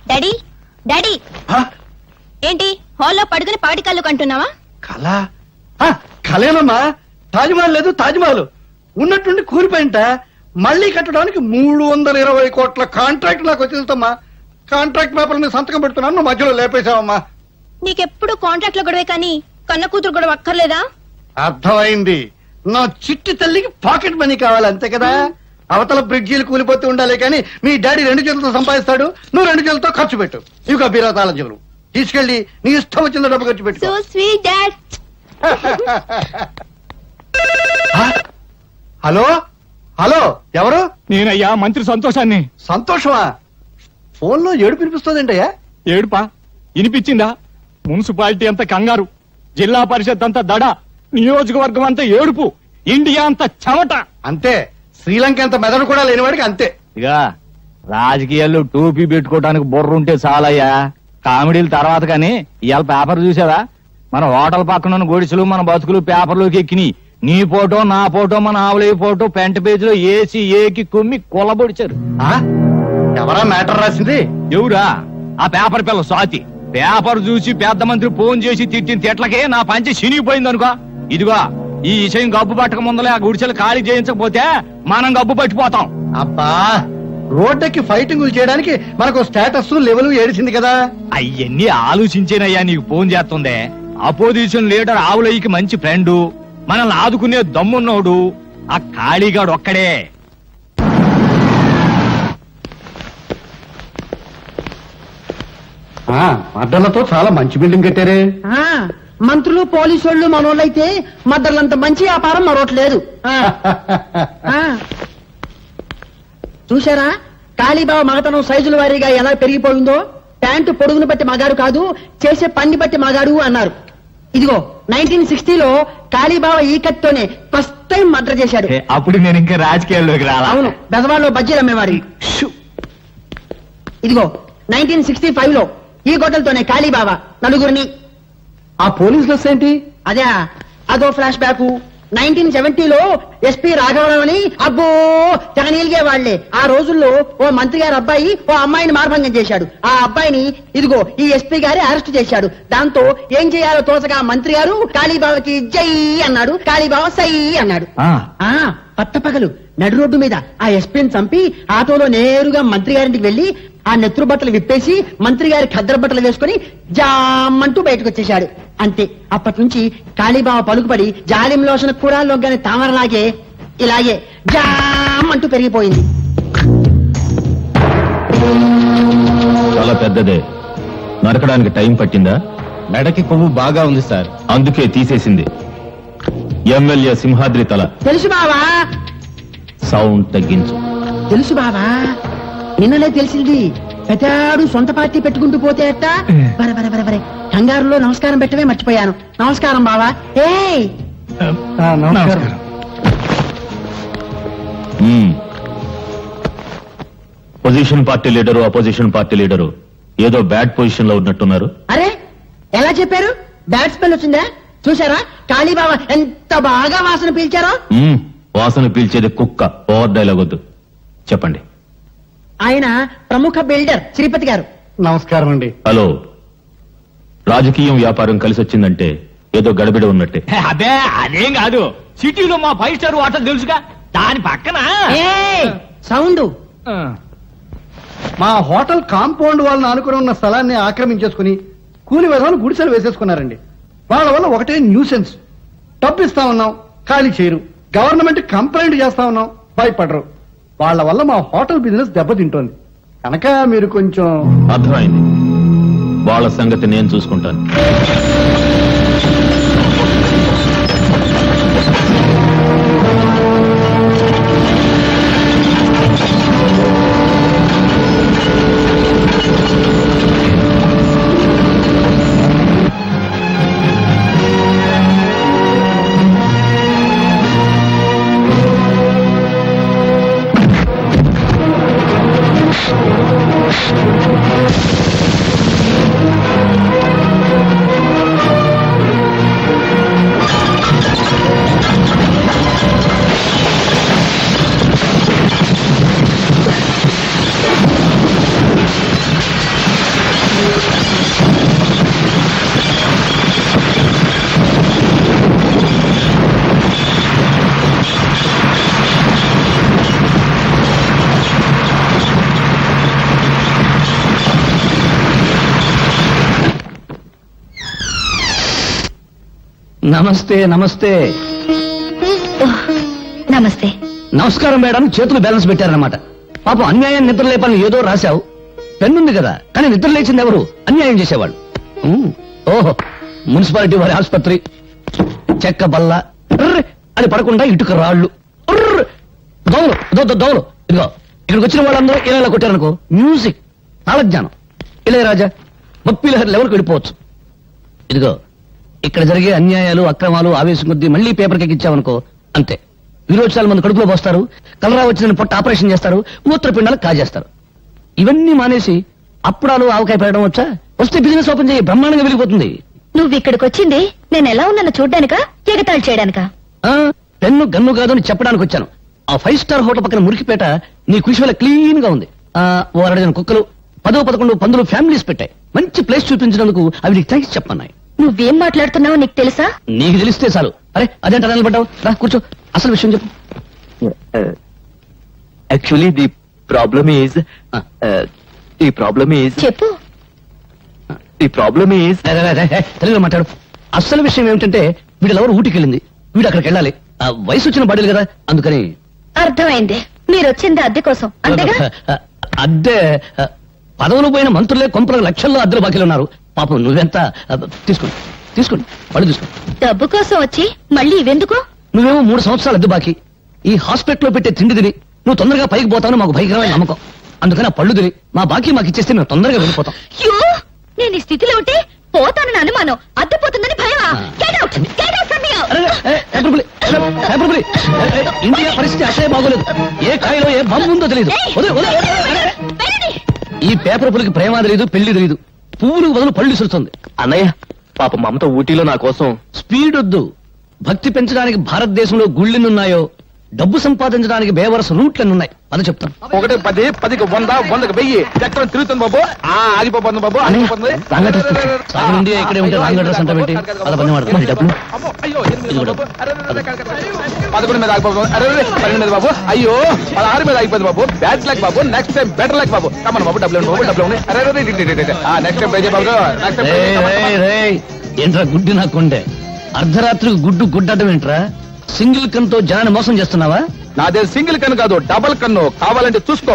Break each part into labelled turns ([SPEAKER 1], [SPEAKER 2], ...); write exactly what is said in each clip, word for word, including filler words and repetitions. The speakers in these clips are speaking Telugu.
[SPEAKER 1] డాడీ డాడీ ఏంటి హాల్లో పడుకుని పాడి కళ్ళు కంటున్నావా?
[SPEAKER 2] కళ కళేనమ్మా. తాజ్మహల్ లేదు, తాజ్మహల్ ఉన్నట్టుండి కూలిపోయింట. మళ్ళీ కట్టడానికి మూడు వందల ఇరవై కోట్ల కాంట్రాక్ట్ నాకు వచ్చేస్తామ్మా. కాంట్రాక్ట్ పేపర్ ని సంతకం పెడుతున్నాను, నువ్వు మధ్యలో లేపేశావమ్మా.
[SPEAKER 1] నీకెప్పుడు కాంట్రాక్ట్ లో గొడవే కానీ కన్న కూతురు గొడవ అక్కర్లేదా?
[SPEAKER 2] అర్థమైంది. నా చిట్టి తల్లికి పాకెట్ మనీ కావాలి అంతే కదా. అవతల బ్రిడ్జీలు కూలిపోతూ ఉండాలి కానీ మీ డాడీ రెండు చేతులతో సంపాదిస్తాడు, నువ్వు రెండు చేతులతో ఖర్చు పెట్టు. ఇవి బీరా తాళం చెవులు తీసుకెళ్లి నీ ఇష్టం వచ్చిన డబ్బు ఖర్చు పెట్టు.
[SPEAKER 1] So sweet dad.
[SPEAKER 2] Hello hello, ఎవరు?
[SPEAKER 3] నేనయ్యా మంత్రి సంతోషాన్ని.
[SPEAKER 2] సంతోషమా? ఫోన్ లో ఏడు పినిపిస్తుందంటయ్యా.
[SPEAKER 3] ఏడుపా వినిపించిందా? మున్సిపాలిటీ అంతా కంగారు, జిల్లా పరిషత్ అంతా దడ, నియోజకవర్గం అంతా ఏడుపు, ఇండియా అంతా చెమట.
[SPEAKER 2] అంతే, శ్రీలంక అంత మెదడు కూడా లేనివాడికి అంతే.
[SPEAKER 4] ఇక రాజకీయాల్లో టోపీ పెట్టుకోవడానికి బుర్ర ఉంటే చాలయ్యా, కామెడీల తర్వాత. కానీ ఇవాళ పేపర్ చూసావా? మన హోటల్ పక్కన ఉన్న గొడిసెలు మన బతుకులు పేపర్లోకి ఎక్కినాయి. నీ ఫోటో నా ఫోటో మన ఆవులయ్య ఫోటో పెంట పేజీలో ఏసి ఏకి కుమ్మి కొల్లబొడిచారు.
[SPEAKER 2] ఎవరా మ్యాటర్ రాసింది?
[SPEAKER 4] ఎవరా? ఆ పేపర్ పిల్ల స్వాతి. పేపర్ చూసి పెద్ద మంత్రి ఫోన్ చేసి తిట్టిన తిట్లకే నా పంచి చినిగిపోయింది అనుకో. ఇదిగో ఈ విషయం గబ్బు పట్టక ముందలే ఆ గుడిసెలు ఖాళీ చేయించకపోతే మనం గబ్బు పట్టిపోతాం.
[SPEAKER 2] అబ్బా, రోడ్డుకి ఫైటింగ్ చేయడానికి మనకు స్టేటస్ లెవెల్ ఏడిసింది కదా.
[SPEAKER 4] అయ్యన్ని ఆలోచించేనయ్యా నీకు ఫోన్ చేస్తుందే. అపోజిషన్ లీడర్ ఆవులయ్యకి మంచి ఫ్రెండు, మనల్ని ఆదుకునే దమ్మున్నోడు ఆ ఖాళీగాడు ఒక్కడే.
[SPEAKER 2] అడ్డలతో చాలా మంచి బిల్డింగ్ కట్టారే.
[SPEAKER 5] మంత్రులు పోలీసు వాళ్ళు మనోళ్ళైతే మద్దర్లంత మంచి వ్యాపారం మరొకట్లేదు. చూశారా కాళీబాబు మగతనం సైజుల వారీగా ఎలా పెరిగిపోయిందో? ప్యాంటు పొడుగును బట్టి మగాడు కాదు, చేసే పని బట్టి మగాడు అన్నారు. ఇదిగో నైన్టీన్ సిక్స్టీలో కాళీబాబా ఈ కత్తితోనే ఫస్ట్ టైం మర్డర్ చేశాడు.
[SPEAKER 4] అప్పుడు నేను ఇంకా రాజకీయాల్లోకి రాలా.
[SPEAKER 5] అవును, బెజవాడలో బజ్జీలు అమ్మేవారి. ఇదిగో నైన్టీన్ సిక్స్టీ ఫైవ్ లో ఈ గొడ్డలతోనే కాళీబాబా నలుగురిని.
[SPEAKER 2] ఆ పోలీసులు ఏంటి?
[SPEAKER 5] అదే అదో ఫ్లాష్ బ్యాక్. నైన్టీన్ సెవెంటీలో ఎస్పీ రాఘవరావు అని అబ్బో తెగనీలిగే వాళ్లే. ఆ రోజుల్లో ఓ మంత్రి గారి అబ్బాయి ఓ అమ్మాయిని మార్భంగం చేశాడు. ఆ అబ్బాయిని ఇదిగో ఈ ఎస్పీ గారి అరెస్ట్ చేశాడు. దాంతో ఏం చేయాలో తోచగా మంత్రి గారు కాళీబాబాకి జై అన్నాడు, కాళీబాబా సై అన్నాడు. ఆ పట్టపగలు నడు రోడ్డు మీద ఆ ఎస్పీని చంపి ఆటోలో నేరుగా మంత్రి గారింటికి వెళ్లి ఆ నెత్తురు బట్టలు విప్పేసి మంత్రి గారి ఖద్దరు బట్టలు వేసుకుని జామంటూ బయటకు వచ్చేశాడు. అంతే, అప్పటి నుంచి కాళీబాబా పలుకుపడి జాలిం లోషణ కూరాల్లోగానే తామరలాగే ఇలాగే జామంటూ పెరిగిపోయింది.
[SPEAKER 4] చాలా పెద్దదే. నరకడానికి టైం పట్టిందా?
[SPEAKER 6] మెడకి కొవ్వు బాగా ఉంది సార్,
[SPEAKER 4] అందుకే తీసేసింది. ఎమ్మెల్యే సింహాద్రి తల.
[SPEAKER 5] తెలుసు బావా.
[SPEAKER 4] సౌండ్ తగ్గించు.
[SPEAKER 5] తెలుసు బావా, నిన్నలే తెలిసింది. పెద్దాడు సొంత పార్టీ పెట్టుకుంటూ పోతే అట్ట. బరే బరే బరే బరే కంగారులో నమస్కారం పెట్టవే మర్చిపోయాను. నమస్కారం బావా. ఏ
[SPEAKER 2] నమస్కారం.
[SPEAKER 4] Position party leader opposition party leader ఏదో బ్యాడ్ పొజిషన్ లో ఉన్నట్టున్నారు.
[SPEAKER 5] అరే ఎలా చెప్పారు? బ్యాడ్ స్మెల్ వచ్చిందా? చూసారా కాళీబాబా ఎంత బాగా వాసన పీల్చారో?
[SPEAKER 4] మ్మ్, వాసన పీల్చేది కుక్క. ఓవర్ డైలాగ్ వద్దు, చెప్పండి.
[SPEAKER 5] ఆయన ప్రముఖ బిల్డర్ శ్రీపతి గారు.
[SPEAKER 2] నమస్కారం అండి.
[SPEAKER 4] హలో, రాజకీయం వ్యాపారం కలిసి వచ్చిందంటే ఏదో గడబిడ ఉన్నట్టే.
[SPEAKER 3] అదే అదేం కాదు, సిటీలో మా ఫైవ్ స్టార్ హోటల్ తెలుసుగా, దాని పక్కన
[SPEAKER 5] సౌండ్.
[SPEAKER 2] మా హోటల్ కాంపౌండ్ వాళ్ళని ఆనుకుని ఉన్న స్థలాన్ని ఆక్రమించేసుకుని కూలి విధాలు గుడిసెలు వేసేసుకున్నారండి. వాళ్ళ వల్ల ఒకటే న్యూసెన్స్. డబ్బు ఇస్తా ఉన్నాం, ఖాళీ చేయరు. గవర్నమెంట్ కంప్లైంట్ చేస్తా ఉన్నాం, భయపడరు. వాళ్ళ వల్ల మా హోటల్ బిజినెస్ దెబ్బతింటోంది. కనుక మీరు కొంచెం.
[SPEAKER 4] అర్థమైంది, వాళ్ళ సంగతి నేను చూసుకుంటాను.
[SPEAKER 7] నమస్తే నమస్తే
[SPEAKER 1] నమస్తే.
[SPEAKER 7] నమస్కారం మేడం. చేతులు బ్యాలెన్స్ పెట్టారన్నమాట. పాపం అన్యాయం నిద్ర లేపని ఏదో రాశావు. పెన్నుంది కదా, కానీ నిద్ర లేచింది ఎవరు? అన్యాయం చేసేవాళ్ళు. ఉమ్, ఓహో, మున్సిపాలిటీ వారి ఆసుపత్రి, చెక్క బల్ల, ఉర్ర్ అది పడకుండా ఇటుక రాళ్ళు, ఉర్ర్ దోమలు, దో దో- దోమలు. ఇదిగో ఇక్కడికి వచ్చిన వాళ్ళందరూ ఇలా ఇలా కొట్టారనుకో, మ్యూజిక్, తాళజ్ఞానం, ఇళయరాజా, బప్పీలహరి లెవెల్కి వెళ్ళిపోవచ్చు. ఇదిగో ఇక్కడ జరిగే అన్యాయాలు, అక్రమాలు ఆవేశం కొద్దీ మళ్ళీ పేపర్కి ఎక్కించావనుకో, అంతే. విరోచనాలు మంది కడుపులో పోస్తారు, కలరా వచ్చిన పొట్ట ఆపరేషన్ చేస్తారు, మూత్రపిండాలు కాజేస్తారు. ఇవన్నీ మానేసి అప్పుడాలు ఆవకాయ పెట్టడం వచ్చా? వస్తే బిజినెస్ ఓపెన్ చేయి, బ్రహ్మాండంగా వెలిగిపోతుంది.
[SPEAKER 1] నువ్వు ఇక్కడికి వచ్చింది నేను ఎలా ఉన్నానో చూడ్డానికా, ఎగతాళి చేయడానికా?
[SPEAKER 7] ఆ పెన్ను గన్ను కాదు అని చెప్పడానికి వచ్చాను. ఆ ఫైవ్ స్టార్ హోటల్ పక్కన మురికిపేట నీ కృషి వల్ల క్లీన్ గా ఉంది. ఆ ఓ అరడజన కుక్కలు, పదో పదకొండు పందులు ఫ్యామిలీస్ పెట్టాయి. మంచి ప్లేస్ చూపించినందుకు అవి నీకు థ్యాంక్స్ చెప్పన్నాయి.
[SPEAKER 1] నువ్వేం మాట్లాడుతున్నావో నీకు తెలుసా?
[SPEAKER 7] నీకు తెలిస్తే చాలు. అరే అదేంట నిలబడ్డావు, రా కూర్చో, అసలు విషయం చెప్పు.
[SPEAKER 6] Actually the problem is the problem is
[SPEAKER 1] చెప్పు.
[SPEAKER 6] ది ప్రాబ్లమ్ ఈజ్
[SPEAKER 7] రే, రే, రే, రే, తెలుగులో మాట్లాడు. అసలు విషయం ఏమిటంటే వీడు ఎవరు ఊటికి వెళ్ళింది, వీడు అక్కడికి వెళ్ళాలి. ఆ వయసు వచ్చిన బాడీలు కదా, అందుకని.
[SPEAKER 1] అర్థమైంది. మీరు వచ్చింది అద్దె కోసం అంతేగా?
[SPEAKER 7] అద్దె ఆ, పదవులు పోయిన మంత్రులే కొంపలకు లక్షల్లో అద్దెలు బాకీలు ఉన్నారు. పాపం నువ్వెంత ఆ, తీసుకోండి తీసుకోండి పళ్ళు తీసుకోండి.
[SPEAKER 1] డబ్బు కోసం వచ్చి మళ్ళీ ఇవెందుకు?
[SPEAKER 7] నువ్వేమో మూడు సంవత్సరాలు అద్దె బాకీ. ఈ హాస్పిటల్లో పెట్టే తిండి తిని నువ్వు తొందరగా పైకి పోతావు మాకు భయంకరమైన నమ్మకం. అందుకని ఆ పళ్ళు తిని మా బాకీ మాకు ఇచ్చేస్తే మేము తొందరగా వెళ్ళిపోతాం.
[SPEAKER 1] అయ్యో, నేను ఈ స్థితిలో ఉంటే పోతానని అనుమానం, అద్దె పోతుందని భయమా? Get out! Get out from here!
[SPEAKER 7] అరే, ఏ, పేపర్ పులి, పేపర్ పులి. ఏ, ఏ, ఇండియా పరిస్థితి అసలే బాగోలేదు. ఏ కాయలో ఏ బాంబు ఉందో తెలియదు.
[SPEAKER 1] ఏయ్!
[SPEAKER 7] వదిలే, వదిలే.
[SPEAKER 1] వెళ్ళండి.
[SPEAKER 7] ఈ పేపర్ పులికి ప్రేమ తెలియదు, పెళ్లి తెలియదు. పువ్వులకు బదులు పళ్ళు విసురుతుంది.
[SPEAKER 6] అన్నయ్య పాప మమత ఊటీలో నా కోసం
[SPEAKER 7] స్పీడ్ వద్దు. భక్తి పెంచడానికి భారతదేశంలో గుళ్ళెన్నున్నాయో, డబ్బు సంపాదించడానికి బేవరస రూట్లెన్నున్నాయి. అది చెప్తాను.
[SPEAKER 3] ఒకటి పది పదికి వంద వందకి వెయ్యి చక్రం తిరుగుతుంది బాబు. ఆ ఆగిపోతుంది బాబు,
[SPEAKER 7] అన్నయ్య,
[SPEAKER 3] ఆగిపోతుంది.
[SPEAKER 7] రాంగ్ అడ్రస్ తెచ్చు. సగం ఇండియా ఇక్కడే ఉంటే రాంగ్ అడ్రస్ అంటావేంటి? అలా పని వాడతాను. మరి డబ్బులు
[SPEAKER 3] అమ్మో, అయ్యో, ఎనిమిది
[SPEAKER 7] ఇది కూడా.
[SPEAKER 3] బాబు. అరే, అరే, అరే, అరే, అరే, అరే. పదకొండు మీద ఆగిపోతుంది. అరే అరే, పన్నెండు మీద బాబు. అయ్యో, పదహారు మీద ఆగిపోతుంది బాబు. బ్యాడ్ లక్ బాబు, నెక్స్ట్ టైం బెటర్ లక్ బాబు. కమన్ బాబు, డబ్బులు ఇవ్వండి బాబు, డబ్బులు ఇవ్వండి. అరే అరే, ఇటు, ఇటు, ఇటు, ఇటు. ఆ నెక్స్ట్ టైం పే చేయ బాబు. నెక్స్ట్ టైం పే చేయ. Come on, come on.
[SPEAKER 7] రేయ్, రేయ్, ఏంట్రా గుడ్డి నా కొండే? అర్ధరాత్రికి గుడ్డు గుడ్డటం ఏంట్రా? సింగిల్ కన్తో జనాన్ని మోసం చేస్తున్నావా?
[SPEAKER 3] నాదే సింగిల్ కన్ను కాదు, డబల్ కన్ను. కావాలంటే చూసుకో.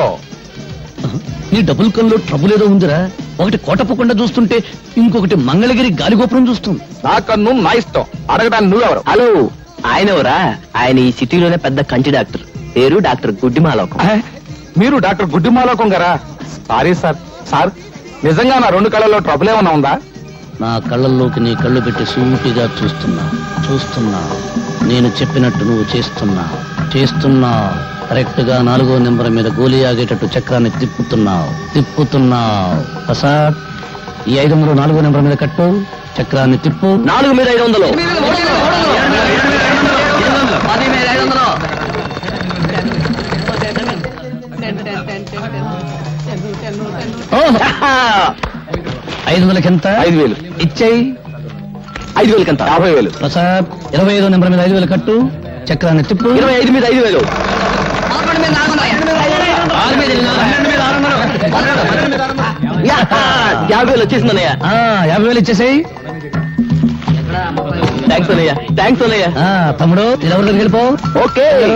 [SPEAKER 7] నీ డబుల్ కన్లో ట్రబుల్ ఏదో ఉందిరా. ఒకటి కోటప్పకుండా చూస్తుంటే ఇంకొకటి మంగళగిరి గాలిగోపురం చూస్తుంది.
[SPEAKER 3] నా కన్ను నా ఇష్టం. అడగడానికి నువ్వెవరు?
[SPEAKER 6] హలో ఆయన ఎవరా? ఆయన ఈ సిటీలోనే పెద్ద కంటి డాక్టర్, పేరు డాక్టర్ గుడ్డిమాలోకం.
[SPEAKER 3] ఏ? మీరు డాక్టర్ గుడ్డిమాలోకం గారా? Sorry sir. సార్, నిజంగా నా రెండు కళ్ళలో ట్రబుల్ ఏమన్నా ఉందా?
[SPEAKER 7] నా కళ్ళల్లోకి నీ కళ్ళు పెట్టి సూటిగా చూస్తున్నా చూస్తున్నా నేను చెప్పినట్టు నువ్వు చేస్తున్నా చేస్తున్నా కరెక్ట్ గా నాలుగో నెంబర్ మీద గోలీ ఆగేటట్టు చక్రాన్ని తిప్పుతున్నావు తిప్పుతున్నావు ప్రసాద్, ఈ ఐదు వందలు నాలుగో నెంబర్ మీద కట్టు, చక్రాన్ని తిప్పు.
[SPEAKER 6] నాలుగు మీద ఐదు వందలు.
[SPEAKER 7] ఓహో, ఐదు వందలకి ఎంత?
[SPEAKER 3] ఐదు వేలు.
[SPEAKER 7] ఇచ్చేయి.
[SPEAKER 6] ఐదు వేలకి ఎంత?
[SPEAKER 3] యాభై వేలు.
[SPEAKER 7] ప్రసాద్, ఇరవై ఐదో నెంబర్ మీద ఐదు వేలు కట్టు, చక్రాన్ని తిప్పు.
[SPEAKER 6] ఇరవై ఐదు మీద ఐదు వేలు. యాభై వేలు వచ్చేసింది అన్నయ్య.
[SPEAKER 7] ఆ, యాభై వేలు ఇచ్చేసేయి.
[SPEAKER 6] థ్యాంక్స్ అన్నయ్య, థ్యాంక్స్ అన్నయ్య.
[SPEAKER 7] ఆ, తమ్ముడు, ఇది ఎవరి దగ్గరికి వెళ్ళిపో.
[SPEAKER 6] ఓకే.